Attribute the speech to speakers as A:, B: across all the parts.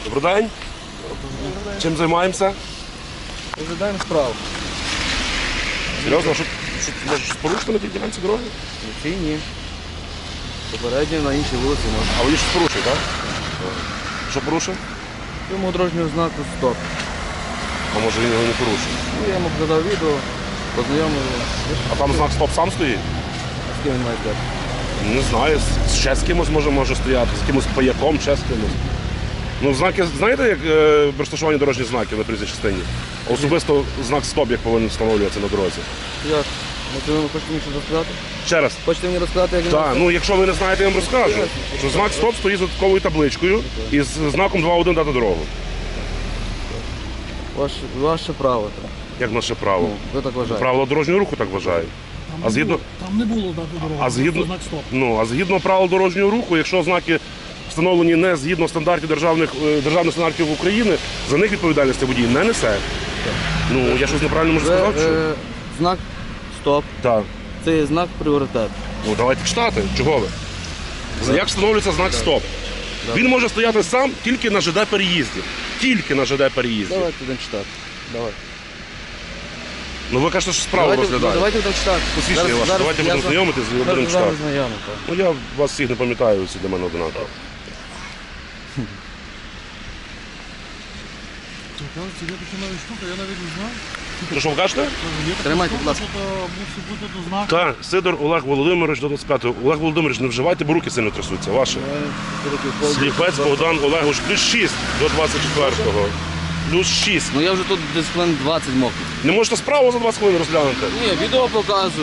A: Добрий день. Чим займаємося?
B: Розглядаємо справу.
A: Серйозно, що може щось порушити на тій ділянці дороги?
B: Ці ні. Попередньо на іншій вулиці можна.
A: А ви щось порушує, так? Що порушив?
B: Йому дорожнього знаку стоп.
A: А може він його не порушив?
B: Ну, я йому показав відео, познайомив.
A: А там знак стоп сам стоїть?
B: З ким він має зв'язку?
A: Не знаю, ще з кимось може стояти, з кимось паяком, ще з кимось. Ну, знаки, знаєте, як розташування дорожніх знаків на проїзній частині? Особисто знак стоп, як повинен встановлюватися на дорозі.
B: Як? Ви хочете мені щось розказати?
A: Ще раз.
B: Хочете мені розказати, як він
A: Так, ну якщо ви не знаєте, я вам розкажу. Що знак стоп стоїть з додатковою табличкою і з знаком 2.1 дати дорогу.
B: Ваше право. Так.
A: Як наше право?
B: Ну, ви так вважаєте.
A: Правила дорожнього руху так вважають.
C: Там не було дати дорогу,
A: А згідно,
C: знак стоп.
A: а згідно правил дорожнього руху, якщо знаки встановлені не згідно стандартів державних стандартів України, за них відповідальності водій не несе. Ну, я щось неправильно можу сказати? Що?
B: Знак стоп.
A: Так.
B: Це є знак пріоритету.
A: Ну, давайте читати. Чого ви? Як встановлюється знак стоп? Він може стояти сам тільки на ЖД-переїзді. Тільки на ЖД-переїзді.
B: Давайте будемо читати. Давай.
A: Ну ви кажете, що справу розглядаєте.
B: Давайте будемо читати.
A: Посвідчення ваше. Давайте будемо знайомитись і будемо читати.
B: Знайомі, так.
A: Ну я вас всіх не пам'ятаю, всі для мене одинаково.
C: Це є така нова штука, я навіть не знав.
A: То що ви кажете?
B: Тримайте, будь ласка.
C: Мусить бути до знаку.
A: Так, Сидор Олег Володимирович до 25-го. Олег Володимирович, не вживайте, бо руки сильно трясуться. Ваші. Сліпець Богдан Олегович, плюс 6 до 24-го. Плюс 6.
B: Ну я вже тут десь хвилин 20 мокрий.
A: Не можете справу за 20 хвилин розглянути?
B: Ні, відео показую.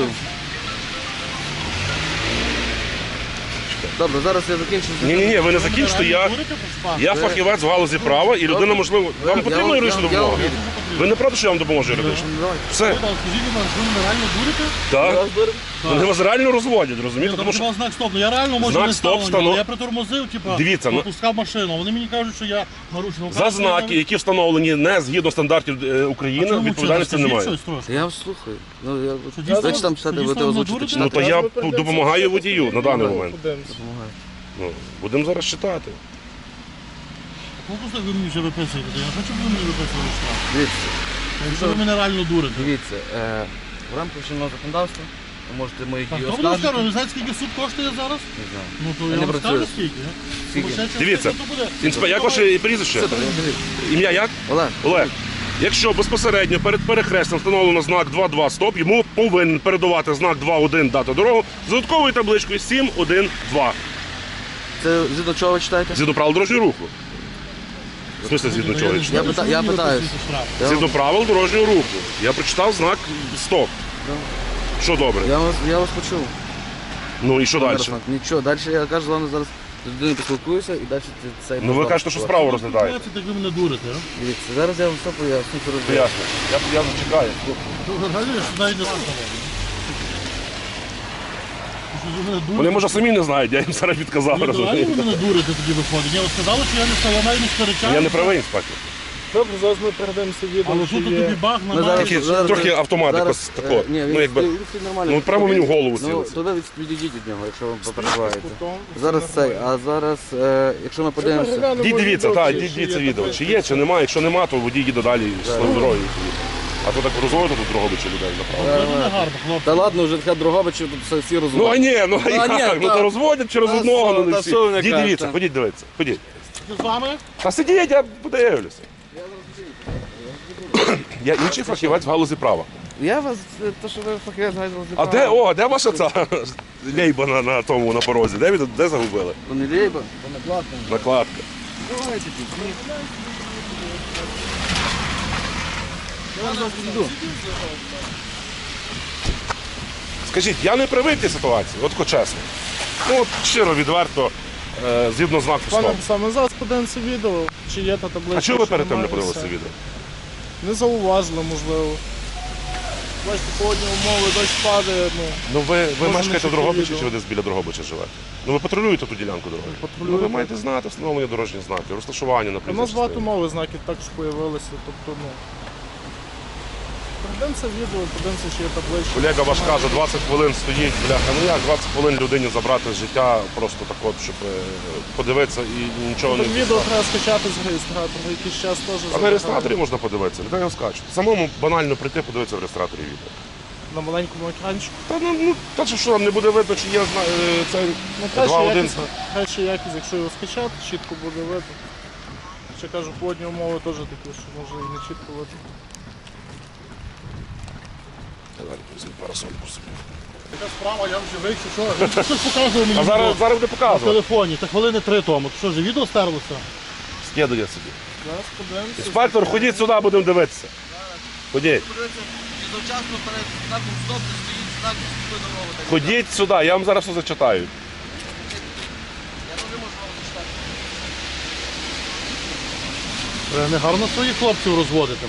B: Добре, зараз я закінчу.
A: Ні, ви не закінчите. Я фахівець в галузі права і людина, можливо, вам потрібна юридична допомога? Ви не проти, що я вам допоможу юридично? Все.
C: Скажіть, будь ласка, ви мене реально дурите?
A: Так. Вони вас реально розводять, розумієте? Тому що
C: Знак стоп, ну я реально можу
A: знак
C: не
A: стоп
C: ставлення, але я притормозив,
A: Дивіться, ну-
C: пропускав машину. Вони мені кажуть, що я нарушив.
A: за знаки, які встановлені не згідно стандартів України, відповідальності немає.
B: Я вас слухаю. Ну, я...
C: дійсно-
B: Дайте там читати,
C: дійсно
B: ви озвучите
C: дурите?
A: Ну
B: читати.
A: то я допомагаю водію на даний момент.
B: Допомагаю.
A: Ну, будемо зараз читати.
C: Ну, просто ви мені вже виписуєте, я хочу, щоб ви мені виписували штраф.
B: Дивіться,
C: Якщо ви мене реально дурите.
B: дивіться, в рамках чинного законодавства ви можете мої
C: Так,
B: дії
C: хто буде
B: оскаржити.
C: розказувати? Ви знаєте, скільки суд коштує зараз?
B: Не знаю.
C: Ну то
B: Я
C: я
B: не
C: вам
B: працюю.
C: скажу скільки.
B: Скільки?
A: Дивіться, як ваше прізвище?
B: Це так, дивіться.
A: Ім'я як?
B: Олег,
A: Олег. Якщо безпосередньо перед перехрестям встановлено знак 2.2 стоп, йому повинен передавати знак 2.1 дати дорогу з додатковою табличкою 7.1.2.
B: це згідно чого ви читаєте?
A: Згідно правил дорожнього руху. В смысле згідно чого?
B: Я питаюсь.
A: Згідно правил дорожнього руху. Я прочитав знак стоп. Що добре?
B: Я вас почув.
A: Ну і що далі?
B: Нічого, далі я кажу, з вами зараз з людиною поспілкуюся і далі це...
A: Ну ви кажете, що справу розглядаєте.
C: Так ви мене дурите, а?
B: Дивіться, зараз я вам все поясню, що розумію.
A: Ясно. Я чекаю.
C: Ну, реально, я ж навіть не знаю.
A: Вони, може, самі не знають, я їм зараз відказав.
C: Ви реально
A: розумієте?
C: ви мене дурите тоді виходить. Я вам сказали, що я не став, я навіть не сперечаю.
A: Я не правий, інспектор.
D: Добре, зараз ми передаємося відео,
C: Але
D: що
C: тут
D: є.
C: тобі баг
B: Ми
C: на
B: зараз-
C: мене.
A: Трохи автомат якось тако.
B: Ні,
A: Ну, якби,
B: він стоїть нормально.
A: ну, прямо мені в голову
B: Ну,
A: цілиться.
B: то ви відійдіть від нього, якщо вам попереживаєте.
D: Кутом.
B: Зараз цей, а зараз, якщо ми подивимося...
D: Переглянемо
A: Дивіться,
D: відео,
A: так,
D: чи
A: дивіться
D: є
A: відео.
D: таке.
A: Чи є, чи немає. Якщо нема, то водій їде далі своєю дорогою. А то так розводити тут Дрогобича людей направо.
C: Це не гарно, хлопці.
B: Та ладно, вже така Дрогобичів тут всі
A: Ну а
B: розуміють.
A: ні, ну а
B: ні,
A: як? Ну
B: та-
A: то розводять через
B: та
A: одного,
B: що,
A: ну не
B: та
A: всі.
B: що ви не
A: Ідіть,
B: кажете?
A: дивіться, ходіть дивитися, ходіть.
C: З вами?
A: Та сидіть, я подивлюся. Я інший фахівець в галузі права.
B: Я вас, то що ви фахівець знаєте,
A: А де ваша ця лейба на тому, на порозі? Де загубили?
B: То не лейба.
A: Накладка.
B: Давайте тут. Я зараз піду.
A: Скажіть, я не привик цій ситуації, от чесно. Ну от щиро, відверто, згідно знаку
D: Пане,
A: стоп.
D: саме зараз подивимося відео, чи є та таблиця.
A: А чого ви
D: що
A: перед тим не
D: немає,
A: подивилися
D: все.
A: відео?
D: Не зауважили, можливо. Бачите, погодні умови, дощ падає, ну.
A: Ну ви
D: Може,
A: мешкаєте
D: не
A: в Дрогобичі
D: відео.
A: чи ви десь біля Дрогобича живете? Ну ви патрулюєте ту ділянку дороги? Ну ви маєте знати встановлення дорожніх знаків, розташування на
D: У
A: проїзній
D: нас багато
A: частині.
D: нових знаків також з'явилися, тобто, ну. Подивимося відео, подивимося, що є табличка.
A: Колега ваш каже, 20 хвилин стоїть, бляха. Ну як 20 хвилин людині забрати з життя, просто так от, щоб подивитися і нічого не
D: Так відео треба скачати з реєстратора, якийсь час теж.
A: А на реєстраторі можна подивитися, людей його скачуть. Самому банально прийти, подивитися в реєстраторі відео.
D: На маленькому екранчику.
A: Та що там не буде видно, чи є це
D: Ну,
A: 2-1.
D: краще якість, якщо його скачати, чітко буде видно. Ще кажу, погодні умови теж такі, що може і не чітко видно.
A: Парасольку собі.
C: Така справа, я вже вийшов, що? Він щось показував мені
A: А зараз буде
C: на
A: показувати.
C: телефоні, та хвилини 3 тому. Що ж, відео стерлося?
A: Скидує собі.
D: Зараз подивимося.
A: Інспектор, ходіть сюди, будемо дивитися. Ходіть.
B: Завчасно перед знаком стоп не стоїть знак «Уступи дорогу». Так,
A: Ходіть сюди, я вам зараз все зачитаю.
B: я теж можу вам зачитати.
C: Не гарно своїх хлопців розводити.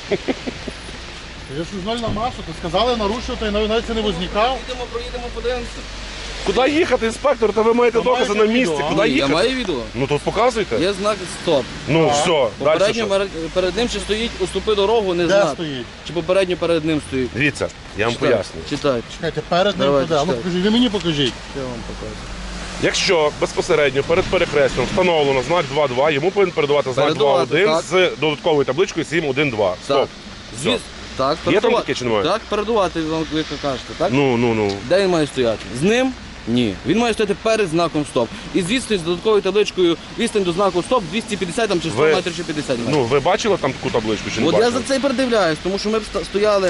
C: Я ж журнальна маса, то сказали нарушувати, і навіть це не возникав.
B: Проїдемо, подивимося.
A: Куди їхати, інспектор? Та ви маєте
C: Ви
A: докази
C: маєте
A: на місці.
C: відео, а?
A: Куди
B: Я
A: їхати?
B: маю відео.
A: Ну тут показуйте.
B: Є знак стоп.
A: Ну все, далі
B: Попередньо
A: що?
B: перед ним чи стоїть «Уступи дорогу», не
C: Де
B: знак.
C: стоїть?
B: Чи попередньо перед ним стоїть.
A: Дивіться, я вам
B: Читай,
A: поясню.
B: Читай.
C: Чекайте, перед ним
B: Давайте,
C: туди. А ну
B: читай.
C: покажіть, ви мені покажіть.
B: Я вам покажу.
A: Якщо безпосередньо перед перехрестям встановлено знак 2.2, йому повинен передавати знак
B: Передавати,
A: 2.1
B: так.
A: з додатковою табличкою 7.1.2. Стоп.
B: Так.
A: Все.
B: Так,
A: Є там
B: передувати-
A: таке чи немає?
B: Так, передувати вам, ви кажете, так?
A: Ну.
B: Де він має стояти? З ним? Ні. Він має стояти перед знаком стоп. І звідси з додатковою табличкою відстань до знаку стоп 250 там, чи 100
A: Ви-
B: метрів чи 50 метрів.
A: Ну, ви бачили там таку табличку чи не
B: От я
A: бачили?
B: за це і передивляюсь, тому що ми б стояли.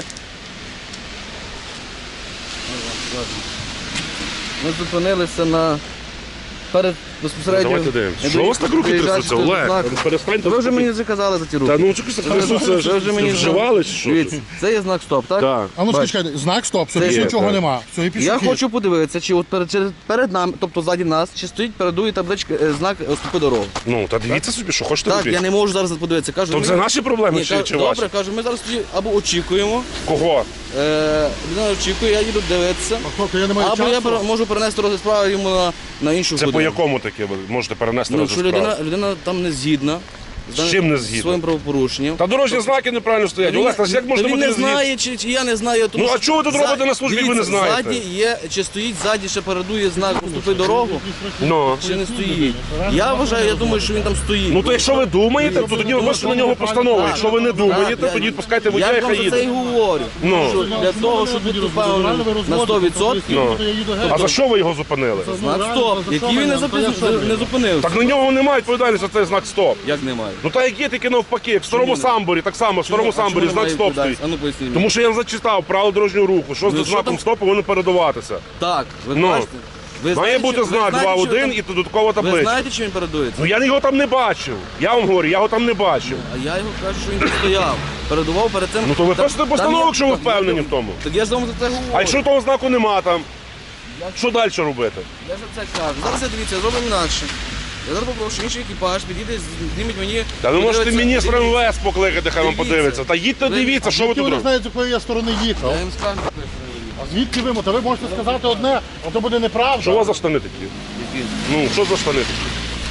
B: Ми зупинилися перед безпосередньо.
A: Давайте дивимося.
B: не
A: Що у вас так руки
B: доїжджаючи
A: трясуться,
B: до
A: Олег?
B: знаку.
A: Перестаньте.
B: Ви вже мені заказали за ті руки.
A: Та ну чекай, трясуться,
B: Ви вже мені
A: вживали чи що?
B: Дивіться, це є знак стоп, так?
A: Так.
C: А ну
B: Бач.
C: чекайте, знак стоп, все,
B: Це
C: більше
A: є,
C: нічого
A: так.
C: нема. Все, і пішов.
B: Я хочу подивитися, чи от перед нами, тобто ззаді нас, чи стоїть передує табличка знак «Уступи дорогу».
A: Ну, та дивіться собі, що хочете
B: Так,
A: робити.
B: я не можу зараз подивитися. Кажу,
A: То
B: ми-
A: це наші проблеми
B: Ні,
A: чи ваші?
B: добре, кажу, ми зараз тоді або очікуємо,
A: Кого?
B: людина очікує, я їду дивитися,
C: Тобто я не маю
B: або я
C: часу.
B: можу перенести розгляд справи йому на іншу
A: Це по
B: годину.
A: якому таке ви можете перенести
B: Ну,
A: розгляд
B: якщо
A: справи?
B: людина там не згідна
A: З чим не згідна?
B: своїм правопорушенням.
A: Та дорожні знаки неправильно стоять.
B: Він-
A: Олег, та ж як можна
B: та він
A: бути
B: не
A: згідним?
B: знає, чи я не знаю. Тому
A: Ну, а
B: що
A: чого ви тут
B: за-
A: робите на службі, ви не
B: дивіться,
A: знаєте?
B: Ззаді є, чи стоїть ззаді, ще передує знак «Уступи дорогу»,
A: Ну.
B: чи не стоїть. Я вважаю, я думаю, що він там стоїть.
A: Ну то якщо ви думаєте, то тоді випишете на нього постанову. Якщо ви не думаєте,
B: Так,
A: тоді відпускайте водія,
B: я
A: і
B: вам
A: хай
B: за це і
A: їде.
B: говорю.
A: Ну.
B: Що для того, щоб бути впевненим на 100%,
A: Ну. А за що ви його зупинили?
B: знак стоп, який він не зупинився.
A: Так на нього немає відповідальності за цей знак стоп.
B: Як немає?
A: Ну та як є, тільки навпаки, як в старому самборі, так само, в старому самборі знак стоп стоїть.
B: А ну поясніть мені.
A: Тому що я зачитав правила дорожнього руху, що
B: Ну,
A: з
B: що
A: знаком
B: там?
A: стоп повинно передаватися.
B: Так, ви
A: Ну.
B: бачите? Ви
A: Має
B: знаєте,
A: бути
B: чи- ви
A: знак
B: знаєте, чи
A: 2.1
B: ви
A: і додаткова
B: там- Ви
A: табличка.
B: знаєте, чи він передується?
A: Ну я його там не бачив. Я вам говорю, я його там не бачив.
B: А я його кажу, що він тут стояв. Передував перед цим.
A: Ну то ви
B: Там-
A: пишете
B: там
A: постанову,
B: є-
A: якщо ви
B: так,
A: впевнені в тому.
B: Так я ж вам за це говорю.
A: А якщо того знаку нема там, що далі робити?
B: Я за це кажу. Зараз я дивіться, зробимо інакше. Я зараз попрошу інший екіпаж, підійде, зніміть мені.
A: Та ви можете
B: подивиться,
A: міністра
B: дивіться.
A: МВС покликати, хай вам
B: Дивіться.
A: подивиться. Та їдьте,
B: Ви-
A: дивіться, що ви
C: Звідки
A: тут
C: ви не
A: робите.
C: знаєте, з якої я сторони їхав?
B: Я їм скажу,
C: А звідки ви? Та ви можете сказати одне, а то буде неправда.
A: Що у вас за штани такі?
B: який.
A: Ну, що за штани такі?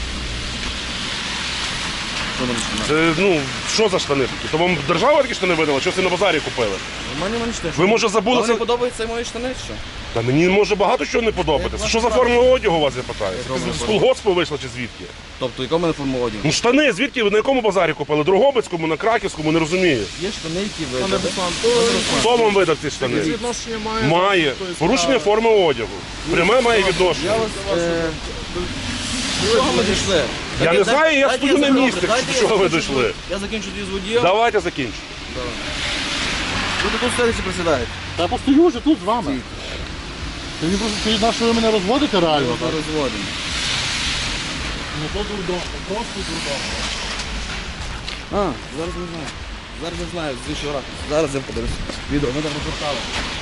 B: Що там починає?
A: Що за штани такі? То вам держава такі штани видала, що ви на базарі купили?
B: У мене штани.
A: Ви, може, забули
B: Вам
A: це?
B: не подобаються мої штани, чи що?
A: Та мені може багато чого не подобатися. Що за форма одягу у вас, я питаю? З колгоспу вийшла чи звідки?
B: Тобто, яка в мене форма одягу?
A: Ну штани, звідки ви на якому базарі купили? Дрогобицькому, на Краківському, не розумію.
B: Є штани, які
D: Пане
B: видали.
D: Руслан, то
A: Хто вам видав ці штани?
D: відношення має.
A: Має.
D: до тої
A: Порушення
D: справи.
A: форми одягу. Пряме має відношення.
B: Я вас... До чого ми дійшли?
A: Я не знаю, я
B: Дайте
A: стою на
B: закінчу.
A: місці.
B: Дайте
A: До
B: я
A: чого ви
B: закінчу.
A: дійшли?
B: Я закінчу тоді з водієм.
A: Давайте закінчимо.
B: Ви тут стоїте чи присідаєте?
C: Та я постою вже тут з вами. Ти мені просто стоїть, на що ви мене розводите реально?
B: Ми розводимо.
C: Ну то дурдом, просто дурдом.
B: А, зараз не знаю. Зараз не знаю, з іншого ракурсу. Зараз я подивлюсь. Відео, ми там розгортали.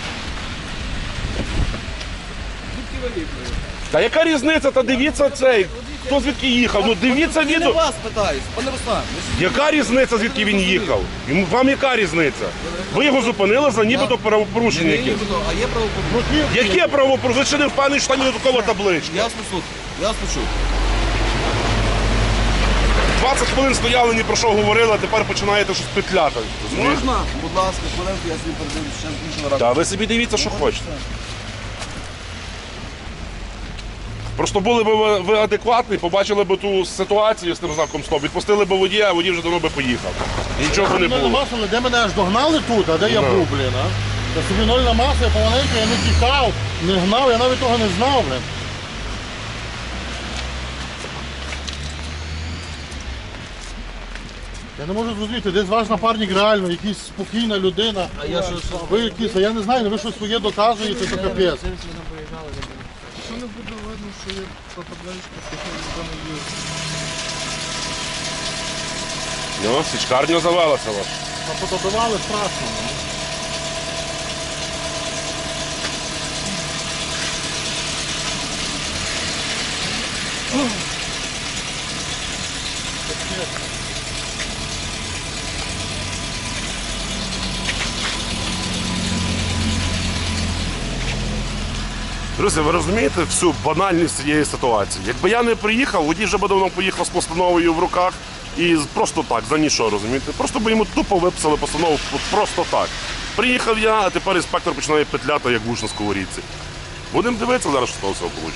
B: Звідки ви їхали?
A: Та яка різниця? Та дивіться цей. Хто звідки їхав? Ну дивіться
B: Я не
A: відео.
B: вас питаюсь, пане Руслан.
A: Яка різниця, звідки він їхав? Вам яка різниця? Ви його зупинили за нібито правопорушення
B: Не
A: якесь.
B: їхали, а є правопорушення.
A: Яке правопорушення? Ви ще не впевнені, що там є додаткова табличка.
B: Я вас послухаю. Я вас почув.
A: 20 хвилин стояли, ні про що говорили, а тепер починаєте щось петляти. Розумієш?
B: Можна? Будь ласка, хвилинку, я собі передивлюсь ще іншого разу.
A: Та ви собі дивіться, що хочете. Просто були б ви адекватні, побачили б ту ситуацію з тим знаком стоп, відпустили б водія, а водій вже давно би поїхав. І нічого б не
C: Нольна
A: було.
C: маса, але де мене аж догнали тут, а де я
A: Ну.
C: був, блін, а? Я собі нольна маса, я помаленьку, я не тікав, не гнав, я навіть того не знав, блін. Я не можу зрозуміти, десь ваш напарник реально, якийсь спокійна людина.
B: А я що?
C: Ви якісь, а я не знаю, ви щось своє доказуєте, то капець.
D: Що не буде видно, що є та табличка, що ніхто не їздить.
A: Ну, січкарня завелася ваша.
C: А подобивали страшно. ну.
A: Друзі, ви розумієте всю банальність цієї ситуації? Якби я не приїхав, водій вже би давно поїхав з постановою в руках і просто так, за нічого, розумієте? Просто би йому тупо виписали постанову просто так. Приїхав я, а тепер інспектор починає петляти, як вуш на сковорідці. Будемо дивитися зараз, що з того всього вийде.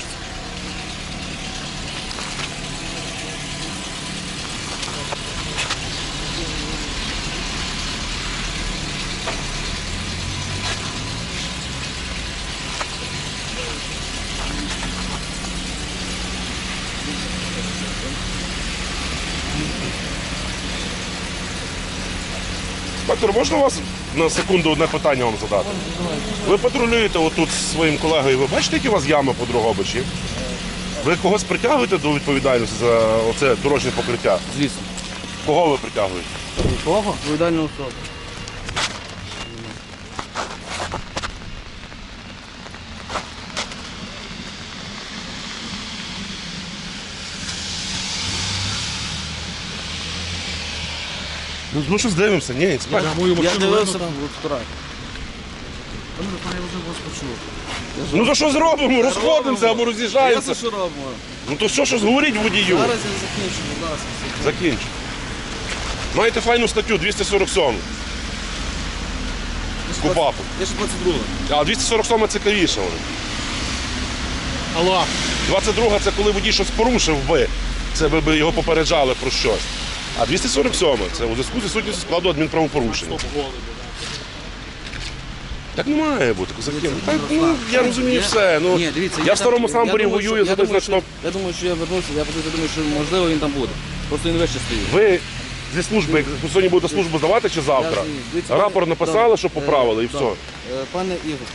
A: Інспектор, можна вас на секунду одне питання вам задати? Ви патрулюєте отут зі своїм колегою, ви бачите, які у вас ями по Дрогобичі? Ви когось притягуєте до відповідальності за оце дорожнє покриття?
B: Звісно.
A: Кого ви притягуєте?
B: Кого? Відповідальну особу.
A: Ну щось дивимося, ні, інспектор.
C: Мою
B: Я
C: машину
B: дивився
C: видно,
B: в фотографії.
D: Я вже вас почув.
A: Ну то що зробимо? Розходимося або
B: Я
A: роз'їжджаємося.
B: що робимо?
A: Ну то що, щось говоріть водію?
B: Зараз я закінчу, будь ласка.
A: Закінчу. Маєте файну статтю 247. Купапу.
B: Я ще 22.
A: А 247 цікавіше. вона.
C: Алло.
A: 22 це коли водій щось порушив би. Це би його попереджали про щось. А 247 це у зв'язку зі сутністю складу адмінправопорушення. Так не має бути, козаки. Так, ну, я розумію все. Ну,
B: Ні, дивіться,
A: я в старому самборі воюю за той знак стоп.
B: Я думаю, що я вернуся, я просто думаю, що можливо він там буде. Просто він вище стоїть.
A: Ви зі служби, як ви сьогодні будете службу здавати чи завтра?
B: Дивіться,
A: Рапорт написали,
B: да,
A: що поправили і
B: да.
A: все.
B: Пане Ігор,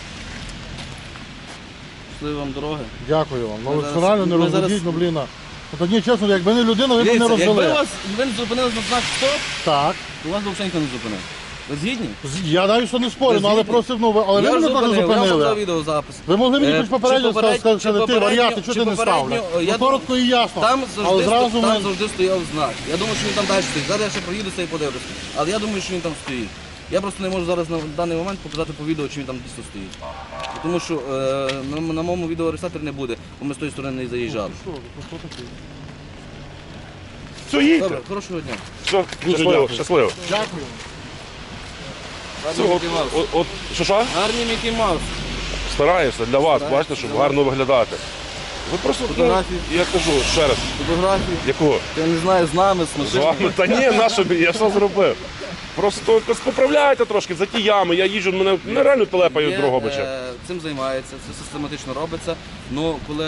B: щасливі вам дороги.
C: Дякую вам. Ну
B: Ми
C: ви
B: зараз-
C: реально не
B: ми
C: розведіть,
B: зараз-
C: ну блін. От ні, чесно, якби не людина, ви б не
B: Дивіться, якби
C: розвели.
B: вас ви не зупинились на знак стоп,
C: Так.
B: то вас взагалі ніхто не зупинив. Ви згідні?
C: Я навіть що не спорю, ну, але
B: згідні?
C: просив, ну ви, але ви
B: Я
C: мене
B: ж
C: теж
B: зупинив, я вам показав
C: зупинили.
B: відеозапис.
C: Ви могли мені хоч
B: Чи
C: попередньо
B: попередньо-
C: сказати,
B: чи
C: що ти
B: попередньо-
C: варіати, що
B: чи
C: ти не
B: попередньо,
C: ставлю.
B: я
C: Ну коротко і ясно.
B: Там
C: Але
B: завжди,
C: зразу
B: там
C: ми...
B: завжди стояв знак. Я думаю, що він там далі стоїть. Зараз я ще проїдуся і подивлюся. Але я думаю, що він там стоїть. Я просто не можу зараз на даний момент показати по відео, чи він там дійсно стоїть. Тому що на моєму відеореєстраторі не буде, бо ми з тої сторони не заїжджали.
A: Все, їдьте.
B: Добре, хорошого дня.
A: Все,
C: Дуже
A: щасливо,
C: дякую.
A: щасливо.
C: Дякую.
A: Все,
B: Гарний
A: от,
B: Мікі Маус.
A: от, що?
B: Гарний Мікі Маус.
A: Стараюся для вас, бачите, щоб гарно виглядати. Ви просто,
B: Фотографії.
A: я кажу ще раз,
B: Фотографії.
A: якого?
B: Я не знаю, з нами, з
A: З
B: машинами.
A: вами? Та ні, на що мені, я все зробив. Просто якось поправляйте трошки за ті ями, я їжджу, мене нереально телепають
B: Є,
A: Дрогобича.
B: Цим займається, це систематично робиться. Ну, коли,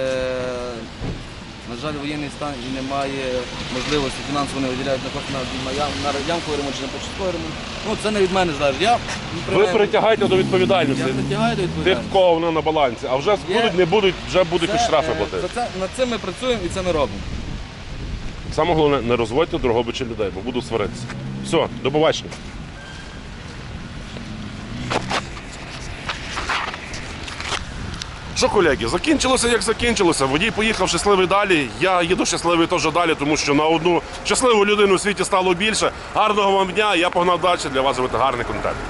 B: на жаль, воєнний стан і немає можливості фінансово не виділяють на кошти на ямковий ремонт чи на початковий ремонт, ну це не від мене залежить. Я
A: Ви притягаєте до відповідальності
B: Я притягаю до
A: тих,
B: відповідальності.
A: в кого вона на балансі, а вже
B: Є.
A: будуть, не будуть, вже будуть хоч штрафи
B: за
A: платити.
B: це, над цим ми працюємо і це ми робимо.
A: Саме головне, не розводьте Дрогобича людей, бо буду сваритися. Все, до побачення. Що, колеги, закінчилося, як закінчилося. Водій поїхав щасливий далі. Я їду щасливий теж далі, тому що на одну щасливу людину у світі стало більше. Гарного вам дня, я погнав далі для вас робити гарний контент.